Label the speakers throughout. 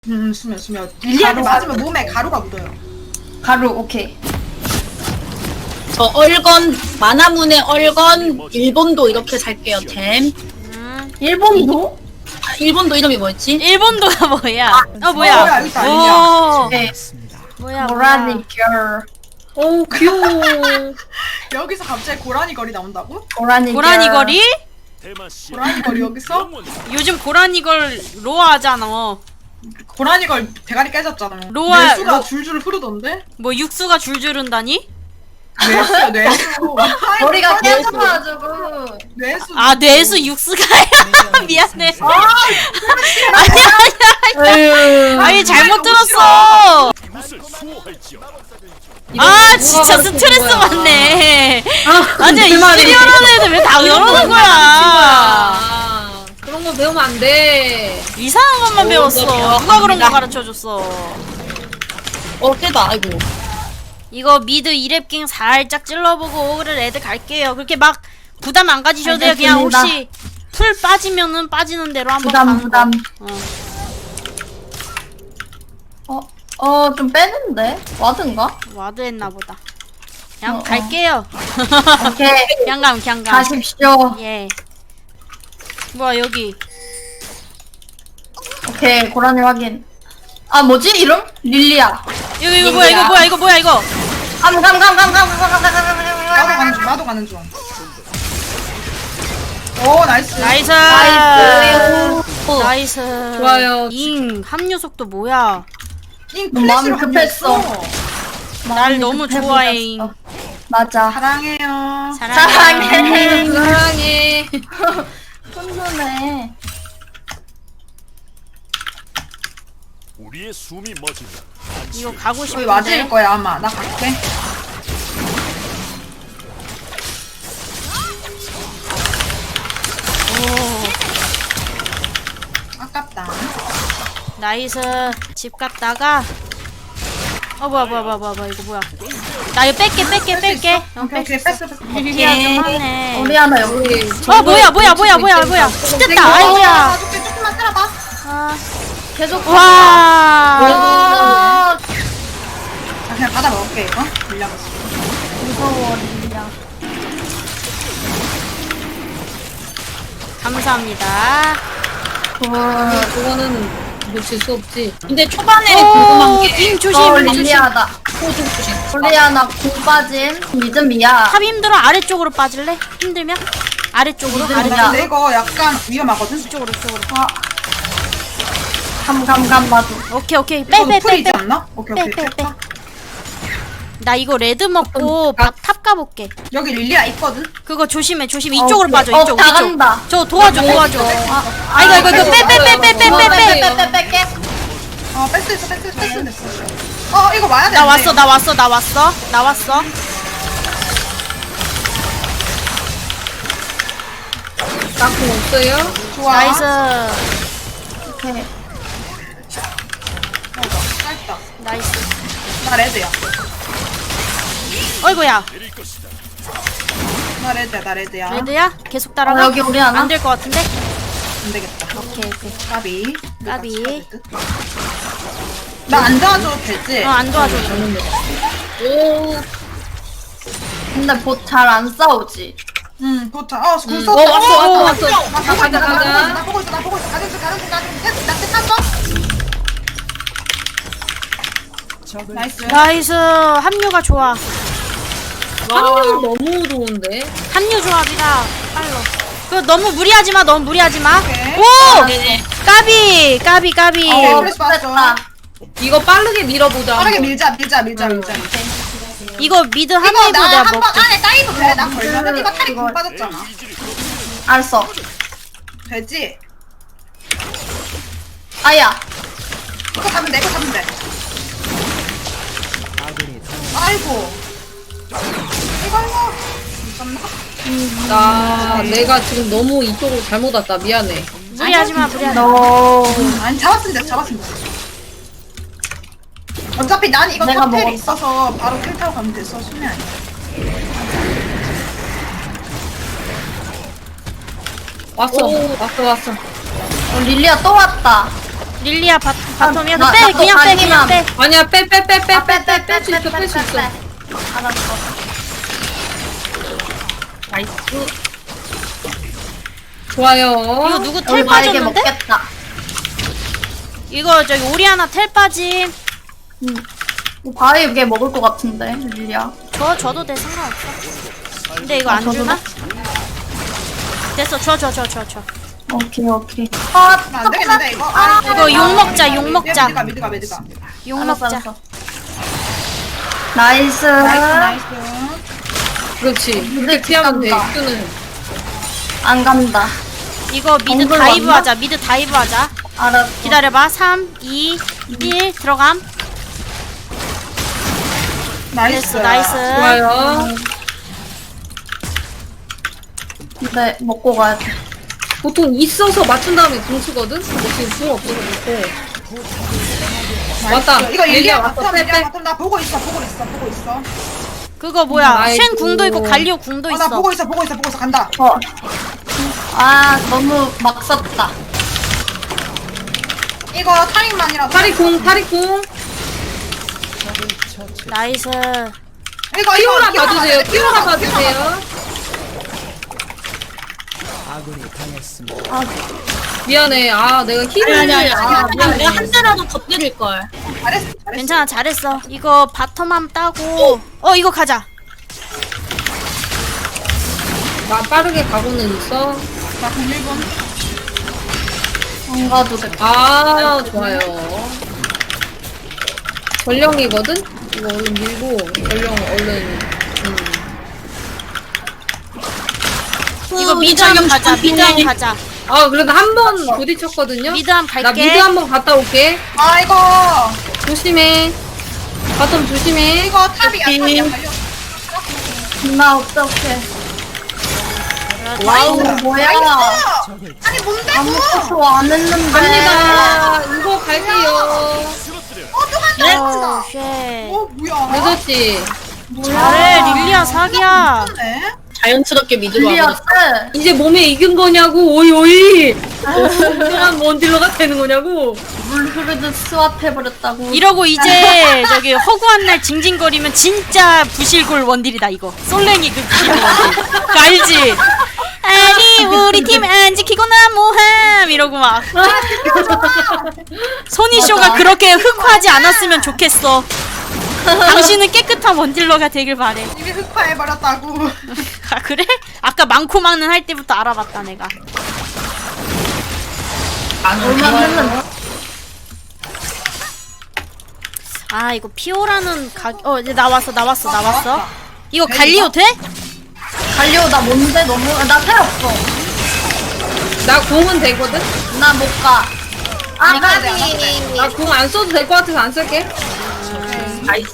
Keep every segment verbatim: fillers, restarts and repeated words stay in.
Speaker 1: 음 수면 수면 릴리한테
Speaker 2: 가루.
Speaker 1: 맞으면 몸에 가루가 묻어요.
Speaker 2: 가루 오케이.
Speaker 3: 저 얼건 만화문의 얼건 일본도 이렇게 살게요. 템.
Speaker 4: 음.
Speaker 2: 일본도?
Speaker 3: 아, 일본도 이름이 뭐였지?
Speaker 4: 일본도가 뭐야? 어
Speaker 1: 어,
Speaker 4: 뭐야?
Speaker 1: 뭐야, 여기 있다,
Speaker 4: 오.
Speaker 2: 네.
Speaker 4: 뭐야?
Speaker 2: 고라니 걸.
Speaker 3: 오 귀여워.
Speaker 1: 여기서 갑자기 고라니 거리 나온다고?
Speaker 2: 고라니
Speaker 4: 고라니
Speaker 2: 걸.
Speaker 4: 거리?
Speaker 1: 고라니 거리 여기서?
Speaker 4: 요즘 고라니 걸 로아하잖아.
Speaker 1: 고라니 걸 대가리 깨졌잖아.
Speaker 4: 로아-
Speaker 1: 뇌수가
Speaker 4: 로-
Speaker 1: 줄줄 흐르던데?
Speaker 4: 뭐 육수가 줄줄 흔다니?
Speaker 1: 뇌수야 뇌수.
Speaker 2: 머리가
Speaker 1: 아이고,
Speaker 2: 깨져가지고.
Speaker 1: 뇌수.
Speaker 4: 아 뇌수 육수가야? 미안해.
Speaker 2: 에휴.
Speaker 4: 아니 잘못
Speaker 1: 너무
Speaker 4: 들었어. 아 진짜
Speaker 2: 누가
Speaker 4: 스트레스
Speaker 2: 가르쳐준 거야.
Speaker 4: 받네.
Speaker 2: 아,
Speaker 4: 아니
Speaker 2: 그 말이.
Speaker 4: 이시리얼한 애들 왜 다 그러는 거야?
Speaker 3: 아, 그런 거 배우면 안 돼.
Speaker 4: 이상한 것만
Speaker 3: 오,
Speaker 4: 배웠어.
Speaker 3: 너
Speaker 4: 누가 그런 거
Speaker 3: 배워갑니다.
Speaker 4: 가르쳐 줬어?
Speaker 3: 어 깨다. 아이고.
Speaker 4: 이거 미드 이랩킹 살짝 찔러보고 오그를 애들 갈게요. 그렇게 막 부담 안 가지셔도 돼요. 그냥
Speaker 2: 알겠습니다.
Speaker 4: 혹시 풀 빠지면은 빠지는 대로 한번
Speaker 2: 부담
Speaker 4: 가는
Speaker 2: 부담.
Speaker 4: 거. 어.
Speaker 2: 어, 어, 좀 빼는데? 와든가?
Speaker 4: 와드 했나 보다. 그냥
Speaker 2: 어, 어.
Speaker 4: 갈게요.
Speaker 2: 오케이.
Speaker 4: 그냥 감 그냥 감.
Speaker 2: 가십시오.
Speaker 4: 예. 뭐야 여기.
Speaker 2: 오케이, 고라니 확인. 아, 뭐지? 이름? 릴리아.
Speaker 4: 이거 이거 뭐야 이거 뭐야 이거 뭐야 이거.
Speaker 2: 감, 감, 감, 감, 감, 감, 감, 감, 감, 감,
Speaker 1: 나도
Speaker 2: 감,
Speaker 1: 가는 중. 나도 가는 중. 오 나이스.
Speaker 4: 나이스.
Speaker 2: 나이스.
Speaker 4: 나이스.
Speaker 3: 좋아요.
Speaker 4: 잉 합류 속도 뭐야?
Speaker 1: 잉
Speaker 2: 너무
Speaker 1: 플래시로
Speaker 2: 마음이 급했어.
Speaker 1: 합류했어.
Speaker 4: 날 너무
Speaker 2: 급해
Speaker 4: 좋아해,
Speaker 2: 보였어.
Speaker 4: 잉.
Speaker 2: 맞아.
Speaker 1: 사랑해요.
Speaker 2: 사랑해.
Speaker 3: 사랑해.
Speaker 2: 훈훈해.
Speaker 5: 우리의 숨이 멎으면
Speaker 4: 이거 가고
Speaker 1: 거의
Speaker 4: 싶은데.
Speaker 1: 맞을 거야 아마. 나 갈게. 아깝다.
Speaker 4: 나이스. 집 갔다가. 어 뭐야 뭐야 뭐야 뭐야 뭐야, 이거 뭐야? 나 이거 뺄게 뺄게 뺄게. 어,
Speaker 1: 오케이 오케이
Speaker 4: 뺄수 있어.
Speaker 1: 패스 패스.
Speaker 4: 릴리아 좀 하네.
Speaker 2: 우리 하나 여기.
Speaker 4: 어 뭐야 뭐야 뭐야 뭐야 뭐야. 됐다. 아이고야.
Speaker 1: 아, 조금 조금만 때려봐.
Speaker 4: 아.
Speaker 2: 계속.
Speaker 4: 와.
Speaker 2: 아,
Speaker 1: 자 그냥 받아 먹을게 이거. 물량없어.
Speaker 2: 무서워, 릴리아.
Speaker 4: 감사합니다.
Speaker 2: 굿.
Speaker 3: 그거는 놓칠 수 없지. 근데 초반에
Speaker 4: 오,
Speaker 3: 궁금한 게
Speaker 4: 임 조심.
Speaker 2: 어,
Speaker 4: 임 조심.
Speaker 2: 릴리아다.
Speaker 3: 호주 조심.
Speaker 2: 릴리아나 공 빠짐. 믿음이야.
Speaker 4: 탑 힘들어. 아래쪽으로 빠질래? 힘들면? 아래쪽으로?
Speaker 2: 힘들면.
Speaker 4: 아래쪽.
Speaker 1: 나 근데 이거 약간 위험하거든.
Speaker 4: 이쪽으로 이쪽으로.
Speaker 2: 아. 감, 감, 감, 나도.
Speaker 4: 오케이 오케이.
Speaker 1: 이거
Speaker 4: 빼 빼
Speaker 1: 풀
Speaker 4: 빼
Speaker 1: 있지
Speaker 4: 빼.
Speaker 1: 않나? 오케이
Speaker 4: 빼,
Speaker 1: 오케이.
Speaker 4: 빼, 빼.
Speaker 1: 뺐다.
Speaker 4: 나 이거 레드 먹고 바, 탑 가볼게.
Speaker 1: 여기 릴리아 있거든.
Speaker 4: 그거 조심해 조심. 이쪽으로
Speaker 2: 오케이.
Speaker 4: 빠져.
Speaker 2: 어,
Speaker 4: 이쪽
Speaker 2: 다
Speaker 4: 이쪽.
Speaker 2: 간다.
Speaker 4: 저 도와줘 도와줘.
Speaker 2: 아,
Speaker 4: 아 이거 이거 이거 빼 빼 빼 빼 빼 빼 빼.
Speaker 2: 빼, 빼, 빼.
Speaker 1: 어 뺐어 있어 뺐어 뺐어 됐어. 어 이거 와야 돼.
Speaker 4: 나 왔어 나 왔어 나 왔어 나 왔어.
Speaker 3: 나공 없어요?
Speaker 1: 좋아.
Speaker 4: 나이스.
Speaker 2: 오케이.
Speaker 1: 짧다.
Speaker 4: 나이스.
Speaker 1: 나 레드야.
Speaker 4: 어이구야.
Speaker 1: 나 레드야 나 레드야.
Speaker 4: 레드야? 계속
Speaker 2: 어,
Speaker 4: 따라가.
Speaker 2: 여기 우리 하나?
Speaker 4: 안될 것 같은데?
Speaker 1: 안 되겠다.
Speaker 4: 오케이 오케이.
Speaker 1: 까비.
Speaker 4: 까비.
Speaker 1: 나 안 도와줘도 되지?
Speaker 4: 어안 도와줘.
Speaker 3: 오.
Speaker 2: 근데 봇 잘 안 싸우지.
Speaker 1: 응, 도착. 어, 굴
Speaker 3: 음.
Speaker 1: 썼다.
Speaker 3: 어, 왔어, 왔어, 왔어.
Speaker 1: 나 보고 있어,
Speaker 3: 가자,
Speaker 1: 나 보고 있어,
Speaker 3: 가자.
Speaker 1: 나 보고 있어, 나 보고 있어. 가는 중, 가는 중, 가는 중. 됐어, 나 끝났어? 나이스.
Speaker 4: 나이스. 합류가 좋아.
Speaker 3: 합류 너무 좋은데.
Speaker 4: 합류 조합이라 빨로. 그 너무 무리하지 마. 너무 무리하지 마.
Speaker 1: 오케이.
Speaker 4: 오!
Speaker 3: 네네.
Speaker 4: 까비 까비 까비.
Speaker 1: 어,
Speaker 2: 어,
Speaker 1: 플래시 봤어.
Speaker 2: 됐다.
Speaker 3: 이거 빠르게 밀어보자.
Speaker 1: 빠르게
Speaker 3: 한번.
Speaker 1: 밀자, 밀자, 밀자, 밀자.
Speaker 4: 이거 미드
Speaker 1: 이거
Speaker 4: 합류도
Speaker 1: 나
Speaker 4: 내가
Speaker 1: 한 번
Speaker 4: 먹게.
Speaker 1: 안에 따이도 돼. 나 걸려면 이거 탈이
Speaker 2: 이거-
Speaker 1: 굴 빠졌잖아.
Speaker 2: 알았어.
Speaker 1: 되지?
Speaker 2: 아야.
Speaker 1: 이거 잡으면 돼, 이거 잡으면 돼. 아이고. 이거 이거. 잠깐만.
Speaker 3: 나 내가 지금 너무 이쪽으로 잘못 왔다. 미안해.
Speaker 4: 무리하지 마. 무리하지 마.
Speaker 2: 너.
Speaker 1: 아니 잡았으면 돼, 잡았으면 돼. 어차피 난 이거
Speaker 2: 내가
Speaker 1: 탑텔이
Speaker 2: 먹었어.
Speaker 1: 있어서 바로 킬 타고 가면 됐어. 수면 아니야.
Speaker 3: 왔어. 왔어 왔어.
Speaker 2: 어, 릴리아 또 왔다.
Speaker 4: 릴리아 바, 바텀이야.
Speaker 2: 나-
Speaker 4: 빼
Speaker 2: 나
Speaker 4: 그냥 빼 그냥
Speaker 2: 아니면-
Speaker 4: 빼.
Speaker 3: 아니야 빼 빼 빼 빼
Speaker 2: 아,
Speaker 3: 빼 빼 뺄 수 있어 뺄 수 있어.
Speaker 2: 알았어.
Speaker 3: 나이스. 좋아요.
Speaker 4: 이거 누구
Speaker 2: 우리
Speaker 4: 텔
Speaker 2: 바에게
Speaker 4: 빠졌는데?
Speaker 2: 먹겠다.
Speaker 4: 이거 저기 오리아나 텔 빠짐.
Speaker 2: 뭐 바에게 먹을 것 같은데 릴리야.
Speaker 4: 줘 줘도 돼 상관없어. 근데 이거
Speaker 2: 아,
Speaker 4: 안
Speaker 2: 줘도
Speaker 4: 주나? 됐어 줘 줘 줘 줘 줘.
Speaker 2: 오케이 오케이. 아
Speaker 1: 안 되겠는데 이거. 아,
Speaker 4: 이거 욕 먹자 욕 먹자.
Speaker 1: 미드가 미드가 미드가.
Speaker 4: 욕
Speaker 2: 알았어
Speaker 4: 먹자.
Speaker 2: 알았어. 나이스.
Speaker 1: 나이스 나이스.
Speaker 3: 그렇지.
Speaker 2: 근데
Speaker 3: 이렇게 피하면 돼.
Speaker 2: 간다.
Speaker 3: 이거는
Speaker 2: 안 간다.
Speaker 4: 이거 미드
Speaker 2: 정글
Speaker 4: 다이브
Speaker 2: 왔나?
Speaker 4: 하자. 미드 다이브 하자.
Speaker 2: 알았어.
Speaker 4: 기다려봐. 삼, 이, 일 들어감.
Speaker 1: 나이스.
Speaker 4: 됐어 나이스.
Speaker 3: 좋아요.
Speaker 2: 근데 먹고 가야 돼.
Speaker 3: 보통 있어서 맞춘 다음에 궁 쓰거든? 근데 지금 궁 없어서 못해. 왔다.
Speaker 1: 이거
Speaker 3: 얘기야,
Speaker 1: 얘기야
Speaker 3: 왔어.
Speaker 1: 바텀
Speaker 3: 빼,
Speaker 1: 얘기야
Speaker 3: 빼.
Speaker 1: 바텀 나 보고 있어 보고 있어 보고 있어.
Speaker 4: 그거 뭐야?
Speaker 3: 아이고.
Speaker 4: 쉔 궁도 있고 갈리오 궁도
Speaker 1: 어, 나
Speaker 4: 있어.
Speaker 1: 보고 있어 보고 있어 보고 있어 간다.
Speaker 2: 어. 아 너무 막 썼다.
Speaker 1: 이거 타임만이라도.
Speaker 3: 파리 궁 파리 궁.
Speaker 4: 나이스.
Speaker 1: 이거
Speaker 3: 피오라
Speaker 1: 이거
Speaker 3: 봐주세요.
Speaker 1: 피오라
Speaker 3: 피오라
Speaker 1: 봐야 돼, 피오라 봐야 돼.
Speaker 3: 봐주세요. 미안해. 아 내가 힐을
Speaker 2: 아니, 아니, 아니,
Speaker 3: 아,
Speaker 2: 그냥 내가
Speaker 3: 미안해.
Speaker 2: 한 대라도 더 때릴 걸.
Speaker 1: 잘했어 잘했어.
Speaker 4: 괜찮아 잘했어. 이거 바텀함 따고. 어 이거 가자.
Speaker 3: 나 빠르게 가고는 있어.
Speaker 1: 나 공일 분.
Speaker 2: 안 가도 돼.
Speaker 3: 아 좋아요. 전령이거든? 이거 얼른 밀고 전령 얼른 음.
Speaker 4: 이거 미드함 가자. 미드함 가자.
Speaker 3: 아 그래도 한 번 부딪혔거든요?
Speaker 4: 미드함 갈게.
Speaker 3: 나 미드 한 번 갔다 올게.
Speaker 1: 아 이거
Speaker 3: 조심해. 바텀 조심해.
Speaker 1: 이거 탑이야 탑이야. 달려.
Speaker 2: 나 어떡해.
Speaker 1: 와우
Speaker 2: 뭐야.
Speaker 1: 아니 뭔데
Speaker 2: 아무것도 안 했는데.
Speaker 3: 갑니다. 이거 갈게요.
Speaker 5: 쓰러뜨려.
Speaker 1: 어또 간다.
Speaker 4: 어, 쉣.
Speaker 1: 어 뭐야.
Speaker 3: 늦었지?
Speaker 4: 잘해 릴리아 사기야.
Speaker 1: 네.
Speaker 2: 자연스럽게 미드로 와버렸어.
Speaker 3: 이제 몸에 익은 거냐고 오이 오이. 그냥 뭔 딜러가 되는 거냐고.
Speaker 2: 물 흐르듯 스왑해버렸다고.
Speaker 4: 이러고 이제 저기 허구한 날 징징거리면 진짜 부실골 원딜이다 이거. 솔랭이 그 부실골 원딜. 그거 알지? 아니 우리 팀 안 지키고 나 뭐함 이러고 막. 소니쇼가
Speaker 2: 맞아.
Speaker 4: 그렇게 흑화하지 않았으면 좋겠어. 당신은 깨끗한 원딜러가 되길 바래.
Speaker 1: 이미 흑화해버렸다고.
Speaker 4: 아 그래? 아까 많고 많은 할 때부터 알아봤다 내가.
Speaker 2: 얼마 했는데.
Speaker 4: 아 이거 피오라는 가... 어 이제 나왔어 나왔어 나왔어.
Speaker 1: 나왔다.
Speaker 4: 이거
Speaker 1: 네,
Speaker 4: 갈리오
Speaker 1: 이거?
Speaker 4: 돼?
Speaker 2: 갈려 나 뭔데 너무 나 텔 없어.
Speaker 3: 나 공은 되거든?
Speaker 2: 나 못 가. 아
Speaker 1: 이거 돼, 이거 돼.
Speaker 3: 나 공 안 써도 될 것 같아서 안 쓸게.
Speaker 2: 나이스.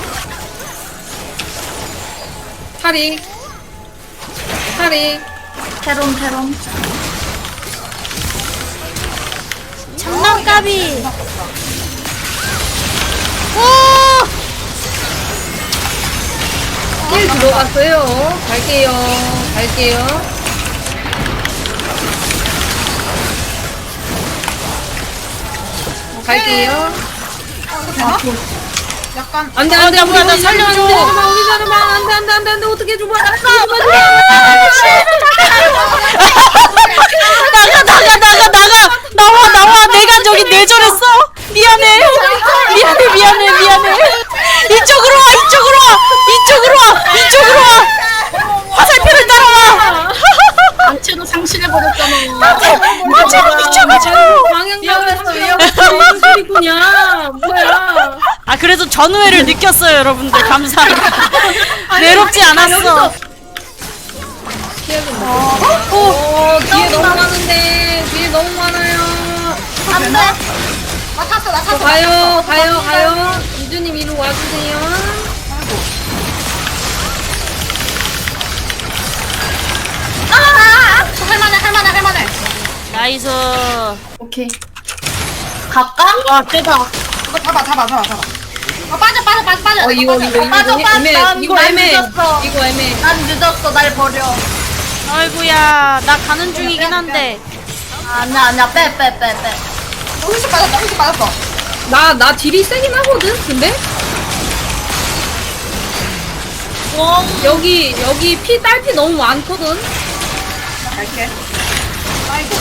Speaker 3: 파리. 파리.
Speaker 2: 테론 테론.
Speaker 4: 장난감이. 오!
Speaker 3: 힐 들어갔어요. 갈게요. 갈게요. 갈게요.
Speaker 1: 어 이거 되나? 약간
Speaker 3: 안돼
Speaker 4: 어,
Speaker 3: 안돼
Speaker 4: 나 뭐야, 나 살려줘.
Speaker 3: 우리 자르마 안돼 안돼 안돼 안돼 어떻게 줘봐.
Speaker 4: 나가 나가 나가 나가 나와 나와 내가 저기 뇌절했어. 미안해 미안해 미안해 미안해. 이쪽으로 와 이쪽으로 와 이쪽으로 와 이쪽으로 와. 화살표를 따라와.
Speaker 2: 안채도 상실해버렸잖아.
Speaker 4: 화살표 미쳐가지고.
Speaker 3: 방향
Speaker 2: 위험했어,
Speaker 3: 가면
Speaker 2: 위험했어.
Speaker 3: 무슨 소리구냐. 뭐야.
Speaker 4: 아 그래도 전우회를 느꼈어요 여러분들 감사합니다. 외롭지 않았어.
Speaker 3: 어 뒤에 너무 많은데 뒤에 너무 많아요.
Speaker 2: 안돼.
Speaker 1: 나 탔어 나 탔어.
Speaker 3: 가요 가요 가요. 이주님 이리 와주세요.
Speaker 1: 아, 할만해 할만해 할만해.
Speaker 4: 나이스.
Speaker 2: 오케이. 갈까? 와 세다.
Speaker 1: 이거 잡아 잡아 잡아 잡아. 어 빠져 빠져 빠져 빠져.
Speaker 3: 어 이거 이거 이거
Speaker 2: 빠져, 빠져.
Speaker 3: 애매
Speaker 2: 난-
Speaker 3: 이거
Speaker 2: 난
Speaker 3: 애매
Speaker 2: 늦었어.
Speaker 3: 이거 애매.
Speaker 2: 난 늦었어. 날 버려.
Speaker 4: 아이고야 나 가는 중이긴 한데.
Speaker 2: 아니야 아니야 빼 빼 빼 빼.
Speaker 1: 훌쩍 빠졌다 훌쩍 빠졌어.
Speaker 3: 나, 나 딜이 세긴 하거든? 근데? 여기, 여기 피, 딸피 너무 많거든?
Speaker 1: 나 갈게. 아이고.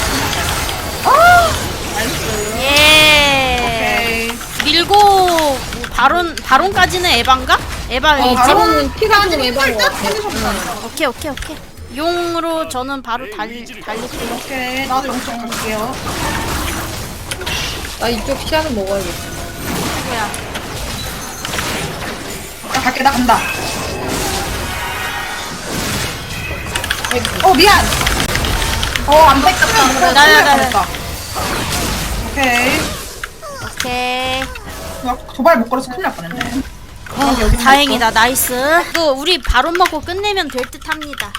Speaker 1: 나이스.
Speaker 4: 예.
Speaker 1: 오케이.
Speaker 4: 밀고 뭐 바론 바론까지는 에반가? 에바
Speaker 3: 어,
Speaker 4: 있지?
Speaker 3: 바로는 피가 좀 애매한 것 같아.
Speaker 1: 응.
Speaker 4: 오케이 오케이 오케이. 용으로 저는 바로 달 달릴게요.
Speaker 1: 오케이. 나도 용쪽 갈게요.
Speaker 3: 나 이쪽 시야는 먹어야겠어.
Speaker 4: 뭐야?
Speaker 1: 나 갈게. 나 간다. 어 미안. 어안 뺏겼다.
Speaker 4: 나야, 나야.
Speaker 1: 오케이.
Speaker 4: 오케이.
Speaker 1: 나 도발 못 걸어서 큰일 날 뻔했네.
Speaker 4: 어, 다행이다. 나이스. 이거 우리 바론 먹고 끝내면 될 듯합니다.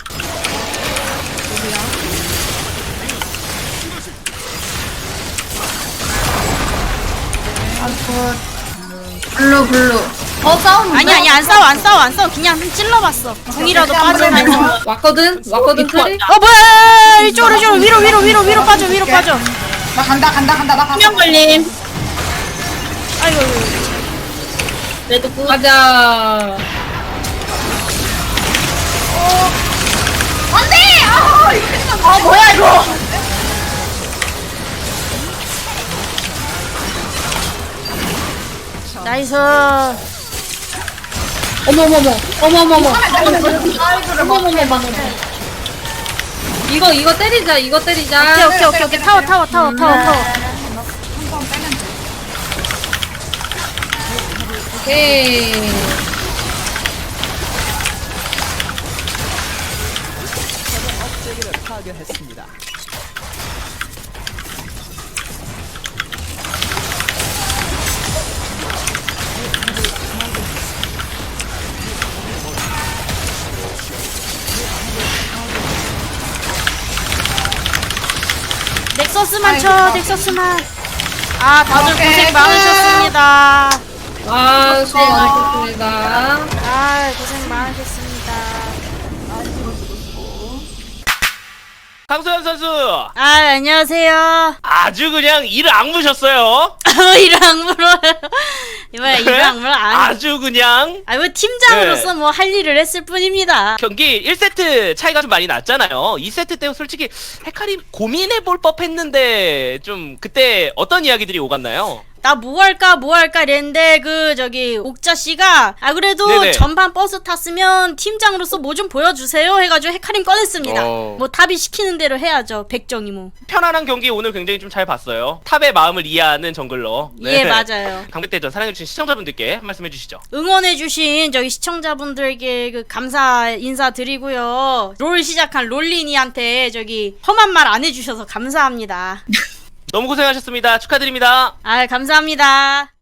Speaker 2: 블루 블루. 어 싸우는
Speaker 4: 아니 아니 안 싸워 안 싸워 안 싸워. 그냥 찔러봤어. 궁이라도 빠져나서.
Speaker 3: 왔거든? 왔거든, 트리?
Speaker 4: 어 뭐야? 이쪽으로 이쪽으로 위로 위로 위로 위로 빠져 위로 빠져.
Speaker 1: 나 간다 간다 간다 나 간다.
Speaker 2: 걸림.
Speaker 4: 아이고.
Speaker 2: 레드 굿.
Speaker 3: 가자.
Speaker 1: 안돼. 아 이거
Speaker 2: 아 뭐야 이거.
Speaker 4: 나이스.
Speaker 3: 어머머머. 어머머머.
Speaker 2: 어머머머.
Speaker 3: 이거, 이거 때리자, 이거 때리자.
Speaker 4: 오케이 오케이 오케이 오케이 타워 타워 타워 타워 타워.
Speaker 3: 오케이.
Speaker 4: 넥서스만 쳐 넥서스만. 아 다들
Speaker 1: 오케이,
Speaker 4: 고생
Speaker 1: 끝.
Speaker 4: 많으셨습니다.
Speaker 3: 아, 수고 많으셨습니다.
Speaker 4: 아 고생 많으셨습니다.
Speaker 6: 강소연 선수
Speaker 4: 아 안녕하세요.
Speaker 6: 아주 그냥 이를 악무셨어요.
Speaker 4: 이랑 악물어요. 이번에 이랑 악물어 아니.
Speaker 6: 아주 그냥
Speaker 4: 아뭐 팀장으로서
Speaker 6: 네.
Speaker 4: 뭐 할 일을 했을 뿐입니다.
Speaker 6: 경기 일 세트 차이가 좀 많이 났잖아요. 이 세트 때 솔직히 헤카리 고민해볼 법했는데 좀 그때 어떤 이야기들이 오갔나요?
Speaker 4: 나 뭐 할까 뭐 할까 이랬는데 그 저기 옥자 씨가 아 그래도
Speaker 6: 네네.
Speaker 4: 전반 버스 탔으면 팀장으로서 뭐 좀 보여주세요 해가지고 헤카림 꺼냈습니다.
Speaker 6: 어.
Speaker 4: 뭐 탑이 시키는 대로 해야죠. 백정이 뭐.
Speaker 6: 편안한 경기 오늘 굉장히 좀 잘 봤어요. 탑의 마음을 이해하는 정글러.
Speaker 4: 예 맞아요.
Speaker 6: 강백대전 사랑해주신 시청자분들께 한 말씀 해주시죠.
Speaker 4: 응원해주신 저기 시청자분들께 그 감사 인사드리고요. 롤 시작한 롤리니한테 저기 험한 말 안 해주셔서 감사합니다.
Speaker 6: 너무 고생하셨습니다. 축하드립니다.
Speaker 4: 아 감사합니다.